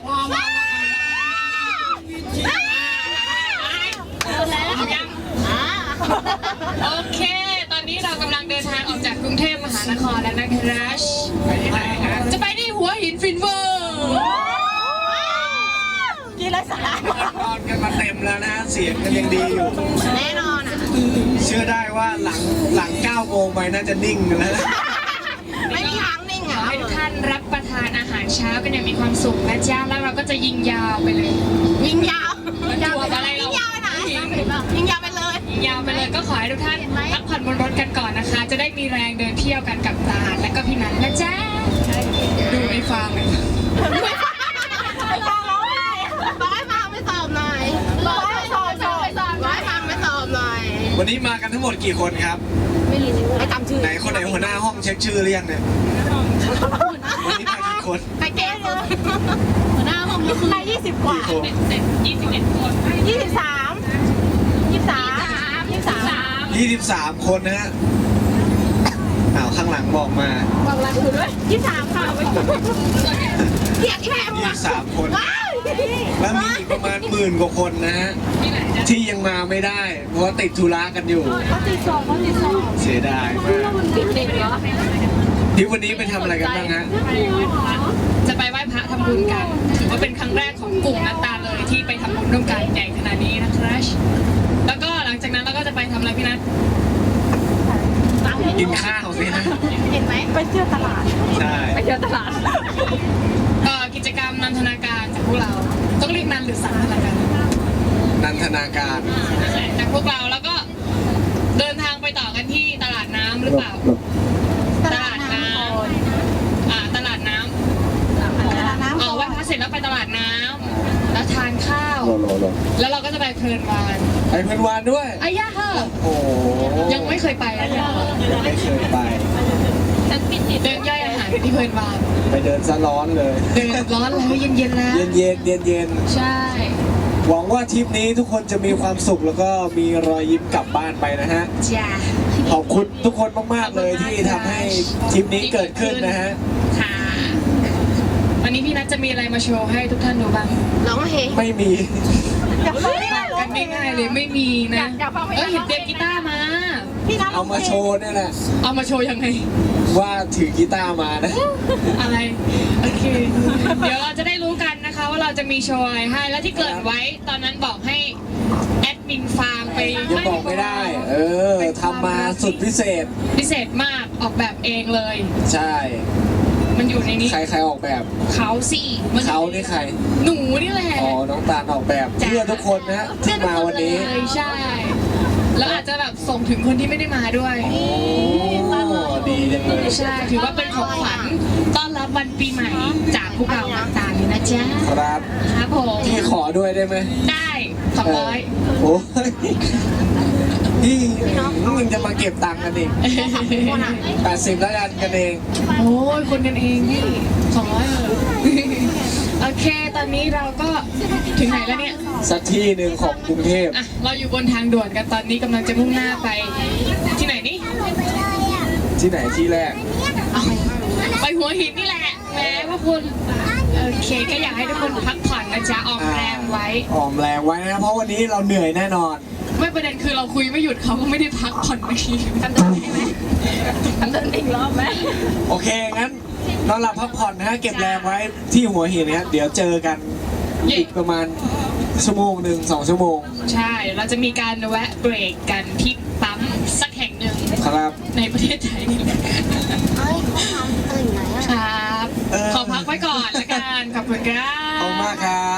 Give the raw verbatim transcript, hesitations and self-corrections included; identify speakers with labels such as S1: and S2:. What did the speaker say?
S1: พอมายังโอเคตอนนี้เรากำลังเดินทางออกจากกรุงเทพมหานครแล้วนะครับไปที่ไหนครับจะไปที่หัวหินฟินเวอร์
S2: กี่ไรสาระ
S3: นอนกันมาเต็มแล้วนะเสียงกันยังดีอยู่
S2: แน่นอนอ่ะ
S3: เชื่อได้ว่าหลังหลังเก้าโมงไปน่าจะนิ่งแล้ว
S2: ไม่มีทางนิ่งอ่ะ
S1: ให้ทุกท่านรับประทานอาหารเช้ากันอย่างมีความสุขนะจ๊ะแล้วเราก็จะยิงยาวไปเลย
S2: ยิงยาว
S1: ยิงยาวอะไรเรา
S2: ยิงยาวไปไหนยิงยาวไปเลย
S1: ยิงยาวไปเลยก็ขอให้ทุกท่านพักผ่อนบนรถกันก่อนนะคะจะได้มีแรงเดินเที่ยวกันกับตาและก็พี่นัทนะจ๊ะดูไอ้ฟางเลย
S2: ไม่ฟังร้องไห้ร้องให้ฟังไม่สอบหน่อยร้องให้สอบสอบร้องให้ฟังไม่สอบหน่อย
S3: วันนี้มากันทั้งหมดกี่คนครับ
S2: ไม่รู้ไม่จำชื่อ
S3: ไหนคนไหนหัวหน้าห้องเช็คชื่อหรือยังเนี่ยวันนี้มากี่คน
S2: ใครเก่งเลยหัวหน้าห้องมีคือยี่สิบกว่า
S1: เสร็จยี่สิบเอ็ดคน
S2: ยี่สิบสามยี่สิบสามยี่สิบสาม
S3: ยี่สิบสามคนนะฮะอ้าวข้างหลังบอกมา
S2: บอกรักคุณด้วยยี่สิบสามค่ะเกียรติแค่
S3: ยี่สิบสามคนแล้วมีอีกประมาณหมื่นกว่าคนนะฮะที่ยังมาไม่ได้เพราะว่าติดธุระกันอยู่
S2: เขาติดสอบเขาติดสอบ
S3: เสียดายมาก
S2: เด็กเหรอ
S3: ที่วันนี้ไปทำอะไรกันบ้างฮะ
S1: จะไปไหว้พระทำบุญกันถือว่าเป็นครั้งแรกของกลุ่มนัตตาเลยที่ไปทำบุญร่วมกันใหญ่ขนาดนี้นะครับแล้วก็หลังจากนั้นเราก็จะไปทำอะไรพี่นัท
S3: กินข้าวสินะ
S2: เห็นไหมไปเที่ยวตลาด
S3: ใช่
S2: ไปเที่ยวตลาด
S1: ก็กิจกรรมนันทนาการจากพวกเราต้องเรียกนันหรือสันทนาการ
S3: นันทนาการ
S1: จากพวกเราแล้วก็เดินทางไปต่อกันที่ตลาดน้ำหรือเปล่าตลาดน้ำอ่าตลาดน้ำอ๋อไหว้พระเสร็จแล้วไปตลาดน้ำแล้วทานข้าวแล้วเราก็จะไปเพลินวาน
S3: ไปเพลินวานด้วย
S1: อายาเหอะ
S3: โอ้
S1: ยังไม่เคยไปเลย
S3: ยังไม่เคยไป
S1: เดินย่อยอาหารที่เพลินวาน
S3: ไปเดินซะร้อนเลย
S1: เดินร้อนแล้วเย็นเย็นแล้ว
S3: เย็นเย็นเย็นเย็น
S1: ใช่
S3: หวังว่าทริปนี้ทุกคนจะมีความสุขแล้วก็มีรอยยิ้มกลับบ้านไปนะฮะ
S1: จ้า
S3: ขอบคุณทุกคนมากๆเลยที่ทำให้ทริปนี้เกิดขึ้นนะฮะ
S1: ค่ะวันนี้พี่นัทจะมีอะไรมาโชว์ให้ทุกท่านดูบ้าง
S2: ร้องเพลง
S3: ไม่มี
S2: อยากฟัง
S1: กันง่ายๆเลยไม่มีนะเออเห็นเตรียมกีตาร์มา
S2: พี่นัท
S3: เอามาโชว์นี่แหละ
S1: เอามาโชว์ยังไง
S3: ว่าถือกีตาร์มานะ
S1: อะไรโอเคเดี๋ยวเราจะได้รู้กันนะคะว่าเราจะมีโชว์อะไรให้แล้วที่เกิดไว้ตอนนั้นบอกให้แอดมินฟาร์มไป
S3: ยังบอกไม่ได้เออทำมาสุดพิเศษ
S1: พิเศษมากออกแบบเองเลย
S3: ใช่
S1: มันอยู่ในนี้
S3: ใครใครออกแบบ
S1: เขาสิ
S3: เขานี่ใคร
S1: หนูนี่แหละ
S3: อ๋อน้องตาลออกแบบเพื่อทุกคนนะที่มาวันนี้
S1: ใช่แล้วอาจจะแบบส่งถึงคนที่ไม่ได้มาด้วย
S3: โอ้ดีจังเลย
S1: ใช่ถือว่าเป็นของขวัญต้อนรับวันปีใหม่จากพวกเราต่างๆเลยนะจ๊ะ
S3: ครับ
S1: ครับผม
S3: พี่ขอด้วยได้ไหม
S1: ได้สองร้อย
S3: โอ้ยพี่มึงจะมาเก็บตังค์กันเองแปดสิบแล้วกันกันเอง
S1: โอ้ยคนกันเองพี่สองร้อยเลยโอเคตอนนี้เราก็ถึงไหนแล้วเนี่ย
S3: สักที่หนึ่งของกรุงเทพ
S1: อ่ะเราอยู่บนทางด่วนกันตอนนี้กำลังจะมุ่งหน้าไปที่ไหนนี่
S3: ที่ไหนที่แรก
S1: ไปหัวหินนี่แหละแม่พวกคุณโอเคก็อยากให้ทุกคนพักผ่อนนะจ๊ะออมแรงไว้
S3: ออมแรงไว้นะเพราะวันนี้เราเหนื่อยแน่นอน
S1: ไม่ประเด็นคือเราคุยไม่หยุดเขาก็ไม่ได้พักผ่อนไม่ทีกันเดินใช่ไหมกันเดินอีกรอบไหม
S3: โอเคงั้นนอนหลับพักผ่อนนะฮะเก็บแรงไว้ที่หัวหินนะเดี๋ยวเจอกันอีกประมาณชั่วโมงหนึ่งสองชั่วโมง
S1: ใช่เราจะมีการแวะเบรกกันที่ปั๊มสักแห่งหนึ่ง
S3: ครับ
S1: ในประเทศไทยนี่แหละครับขอพักไว้ก่อนละกันขอบคุณครับ
S3: ขอบคุณมากครับ